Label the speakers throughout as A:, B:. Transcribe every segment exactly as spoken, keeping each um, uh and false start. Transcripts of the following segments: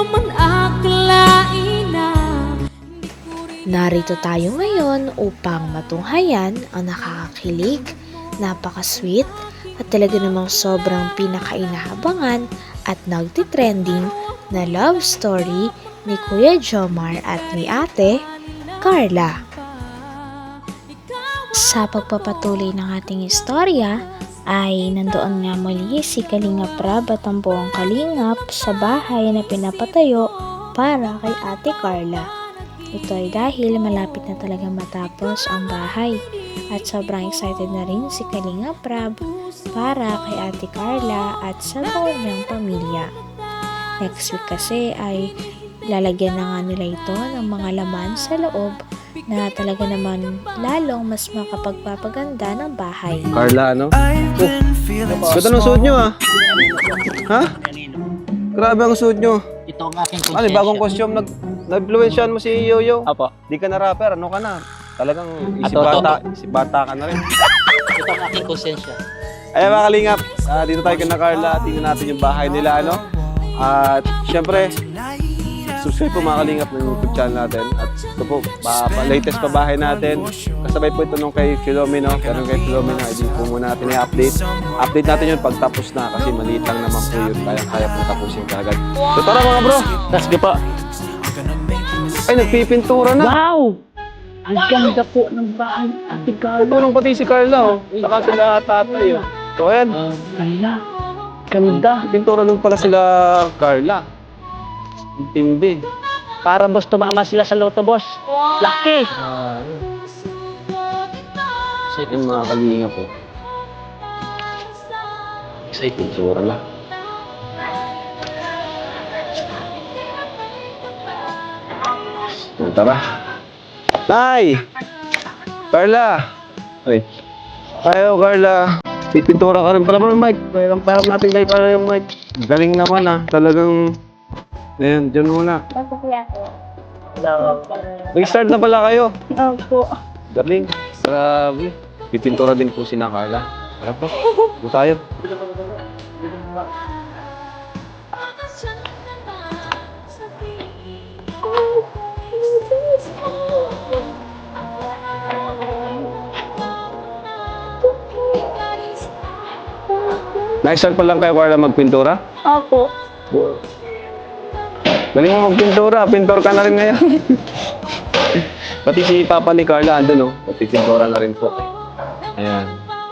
A: man akalain na.
B: Narito tayo ngayon upang matunghayan ang nakakakilig, napaka-sweet at talaga namang sobrang pinakainahabangan at nagtitrending na love story ni Kuya Jomar at ni Ate Carla. Sa pagpapatuloy ng ating istorya ay nandoon nga muli si Kalingap Rab at ang buong Kalingap sa bahay na pinapatayo para kay Ate Carla. Ito ay dahil malapit na talaga matapos ang bahay at sobrang excited na rin si Kalingap Rab para kay Ate Carla at sa buong niyang pamilya. Next week kasi ay lalagyan na nga nila ito ng mga laman sa loob na talaga naman lalong mas makapagpapaganda ng bahay.
C: Carla, ano? Oh, ganda ng suot nyo ah. Ha? Grabe ang suot nyo.
D: Ito ang aking konsensya.
C: Ano, bagong costume, nag, nag-influensyan mo si Yoyo.
D: Apo.
C: Di ka na rapper, ano ka na? Talagang isip
D: Ato,
C: bata, isip bata ka na rin.
D: Ito ang aking konsensya.
C: Ayan mga kalingap, ah, dito tayo kay na Carla, tingnan natin yung bahay nila, ano? At syempre, subscribe po mga kalingap ng YouTube channel natin. At ito po, pa, pa, latest pa bahay natin. Kasabay po ito nung kay Filomeno. Pero kay Filomeno, hindi po muna natin i-update. Update natin yun pag tapos na kasi maliit lang naman po yun. Kaya-kaya po tapusin kagad. So tara mga bro!
D: Let's go po.
C: Ay, nagpipintura na!
D: Wow! Ang ganda po ng bahay, Ate Carla.
C: Tulong pati si Carla, oh. Saka sila tatay, oh. So ayan,
D: Uh, Carla, ganda.
C: pintura nung pala sila Carla. Ang tindi.
D: Para boss tumama sila sa loto, boss. Laki!
C: Yung mga kalinga po.
D: Excited.
C: Pintura na. Tara. Nay! Carla! Ay. Ayo, Carla. Pipintura ka rin pala mo ng mic. Parang parang natin kayo para yung mic. Galing naman ah. Talagang... Ayan, dyan muna.
E: Opo, kuya ko.
C: Nag-start na pala kayo.
E: Opo.
C: Galing. Grabe. Pipintura din po si na Carla. Tara po. Buta tayo. Nag-start pa lang kayo, Carla, magpintura?
E: Opo.
C: Galing mo magpintura, pintor ka na rin ngayon. Pati si Papa ni Carla, andun oh. Pati pintura na rin po. Ayan.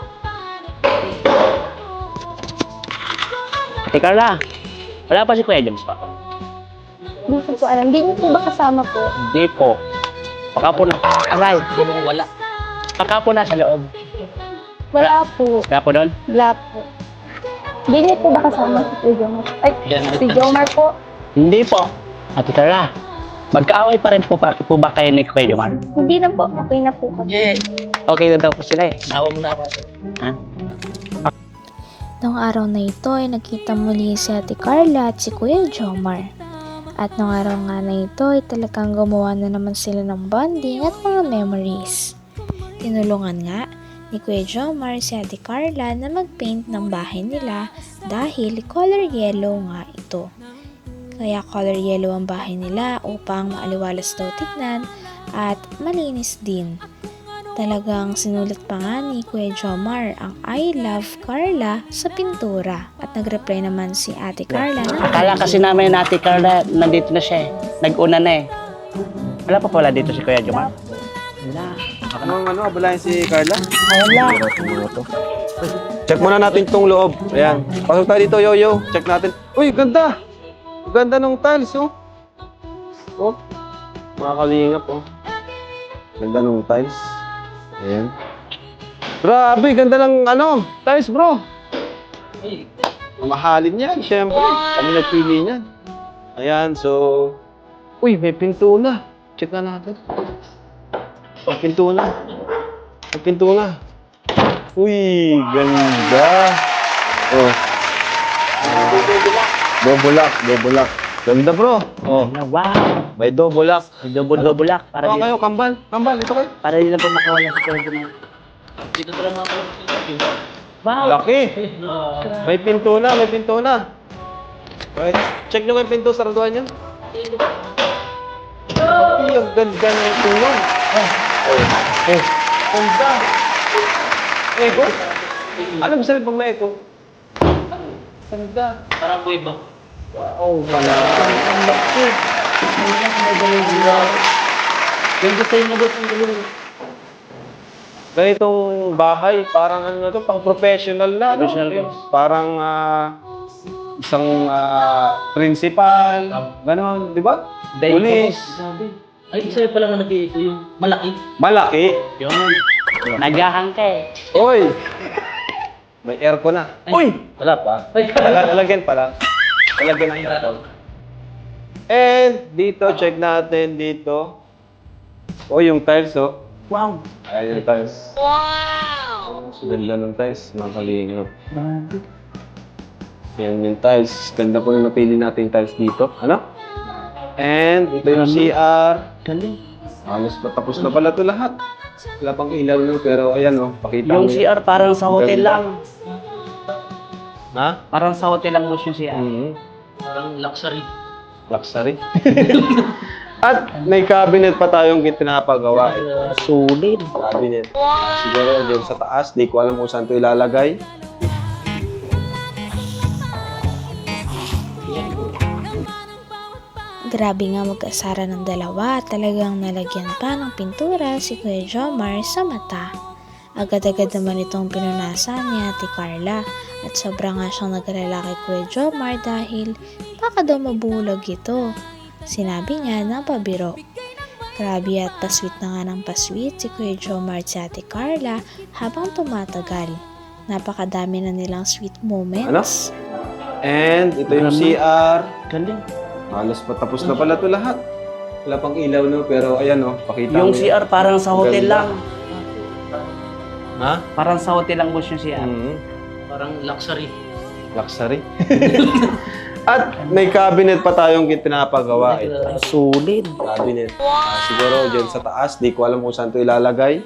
D: Ate Carla, wala pa si Kuya James pa.
E: Hindi ko po alam. Hindi niyo po ba kasama po?
D: Hindi po. Baka po na... Aray, wala. Baka po nasa loob.
E: Wala po.
D: Kaya po doon?
E: Wala po. Hindi niyo po ba kasama si Jomar? Ay, si Jomar po.
D: Hindi po. Ate Carla, magkaaway pa rin po, pa, po ba kayo ni Kuya Jomar?
E: Hindi na po. Okay na po kami.
D: Yeah. Okay na daw po sila eh. Nawa mo na ako. Ha?
B: Noong araw na ito ay nakita muli si Ate Carla at si Kuya Jomar. At noong araw nga na ito ay talagang gumawa na naman sila ng bonding at mga memories. Tinulungan nga ni Kuya Jomar si Ate Carla na mag-paint ng bahay nila dahil color yellow nga ito. Kaya color yellow ang bahay nila upang maaliwalas daw tignan at malinis din. Talagang sinulat pa nga ni Kuya Jomar ang I love Carla sa pintura at nag-reply naman si Ate Carla na
D: Akala kasi namin na Ate Carla, nandito na siya eh. Nag-una na eh. Wala pa pala dito si Kuya Jomar. Wala.
C: Anong ano, abalayan si Carla?
D: Wala.
C: Check muna natin itong loob. Ayan. Pasok tayo dito, Yoyo. Check natin. Uy, ganda! Ganda ng tiles, oh. Oh. Mga kalingap, oh. Ganda ng tiles. Ayan. Grabe, ganda ng ano, tiles, bro. Mamahalin yan, syempre. Kami nagpili niyan. Ayan, so... Uy, may pinto na. Check na natin. May pinto na. May pinto na. Uy, ganda. Oh. Dobulak, dobulak. Ganda, bro. Oh,
D: Wow.
C: may dobulak.
D: Double-double lock. Para
C: Oh,
D: di,
C: kayo, kambal. Kambal, ito kayo.
D: para di na po makawala si Kuya Jomar. Dito lang ako. Wow.
C: Laki. May pinto na, may pinto na. Okay. Check nyo yung pinto, saraduhan nyo. Ay, ang ganda na yung tulong. Oh. Eh, ganda. Echo? Ano ba sabi pag may echo? Ganda.
D: Parang boy ba?
C: Wow, wala. Ang laki.
D: Ganda sa'yo na boss ang gulong.
C: Ganitong bahay, parang ano na to, pang professional na. no?
D: Professional
C: Eh, Parang ah, isang ah, principal, gano'n, di ba? Pulis.
D: Sabi. Ay, sa'yo pala nga nag-iito yung malaki.
C: Malaki.
D: Yun. Nagahang ka eh.
C: Oy! May aircon na. Uy! Wala pa.
D: Ay,
C: Lag- Lalagyan pa lang. Lalagyan ng aircon. And dito, check natin dito. Oh, yung tiles, oh.
D: wow.
C: Ayan yung tiles. Wow! Ganda ng tiles, mga kalingap. Yan yung tiles. Ganda po yung napili natin yung tiles dito. Ano? And ito yung C R.
D: Galing.
C: Halos patapos na pala ito lahat. Wala pang ilaw nun, pero ayan, oh. Pakita
D: Yung
C: mo
D: C R parang sa hotel
C: Ganda.
D: lang.
C: Ha?
D: Parang sa hotel lang boss yung C R.
C: Mm-hmm.
D: Parang luxury.
C: Luxury. At may cabinet pa tayong pinapagawa.
D: Uh, solid.
C: Cabinet. Siguro dyan sa taas, di ko alam kung saan ito ilalagay.
B: Grabe nga mag-asara ng dalawa, talagang nalagyan pa ng pintura si Kuya Jomar sa mata. Agad-agad naman itong pinunasan ni Ate Carla at sobra nga siyang nag-alala kay Kuya Jomar dahil baka daw mabulag ito. Sinabi niya na pabiro. Grabe at pasweet na nga ng pasweet si Kuya Jomar at si Ate Carla habang tumatagal. Napakadami na nilang sweet moments.
C: And ito yung C R.
D: Galing.
C: Halos patapos na pala ito lahat. Wala pang ilaw, no? Pero ayan, oh. Pakita
D: Yung
C: mo
D: C R parang sa hotel
C: Ganda.
D: lang.
C: Ha?
D: Parang sa hotel lang boss yung C R.
C: Mm-hmm.
D: Parang luxury.
C: Luxury. At may cabinet pa tayong pinapagawa. Eh.
D: Solid.
C: Cabinet. Ah, siguro dyan sa taas, di ko alam kung saan ito ilalagay.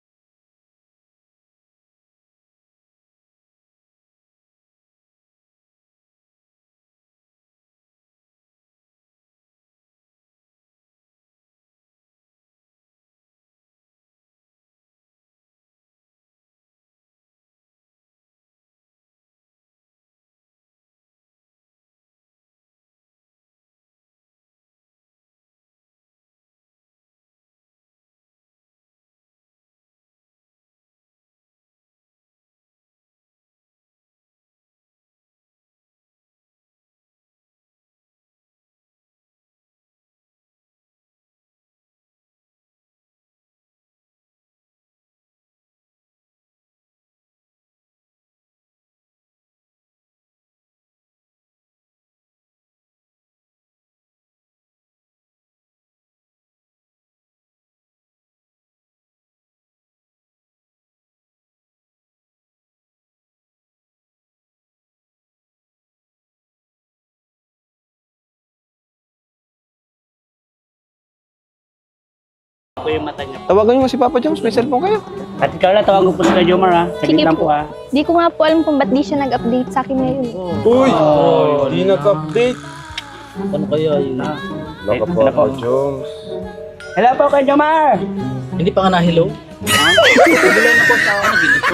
D: Ako yung mata niya.
C: Tawagan nyo si Papa Jones, may cellphone kayo.
D: Ate Carla, tawagan po si Kuya Jomar ha. Saglit
E: Sige
D: lang
E: po.
D: po ha.
E: Di ko nga po alam kung ba't di siya nag-update sa akin ngayon.
C: Uy! Di nag-update.
D: Ano kaya yun? Ah.
C: Baka
D: Hello
C: Papa
D: po.
C: Jones.
D: Hello po Kuya Jomar!
F: Hindi pa ka na hello?
D: Sabilan na po sa ako.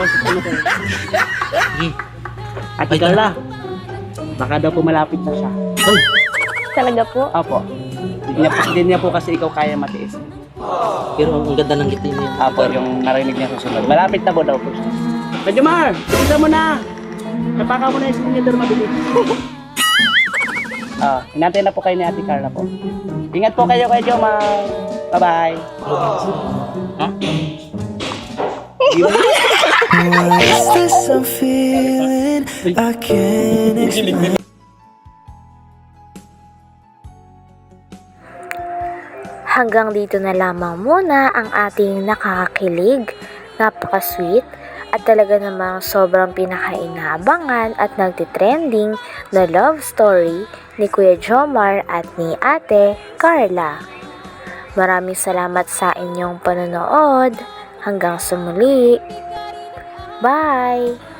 D: Ate Carla, baka daw po malapit na siya.
F: Ay,
E: Talaga po?
D: Opo. Hindi niya, po, hindi niya po kasi ikaw kaya matiis.
F: pero ang ganda ng ngiti mo yan.
D: Apo, yung narinig niya susunod. Malapit na po daw po siya. Kuya Jomar, bilisan mo na! Napaka mo na yung sinidor mabilis. Ah, hinantay na po kayo ni Ate Carla po. Ingat po kayo Kuya Jomar. Bye-bye. Ha?
G: What's this I'm feeling? I can't explain.
B: Hanggang dito na lamang muna ang ating nakakakilig, napaka-sweet, at talaga namang sobrang pinakainabangan at nagtitrending na love story ni Kuya Jomar at ni Ate Carla. Maraming salamat sa inyong panonood. Hanggang sa muli. Bye!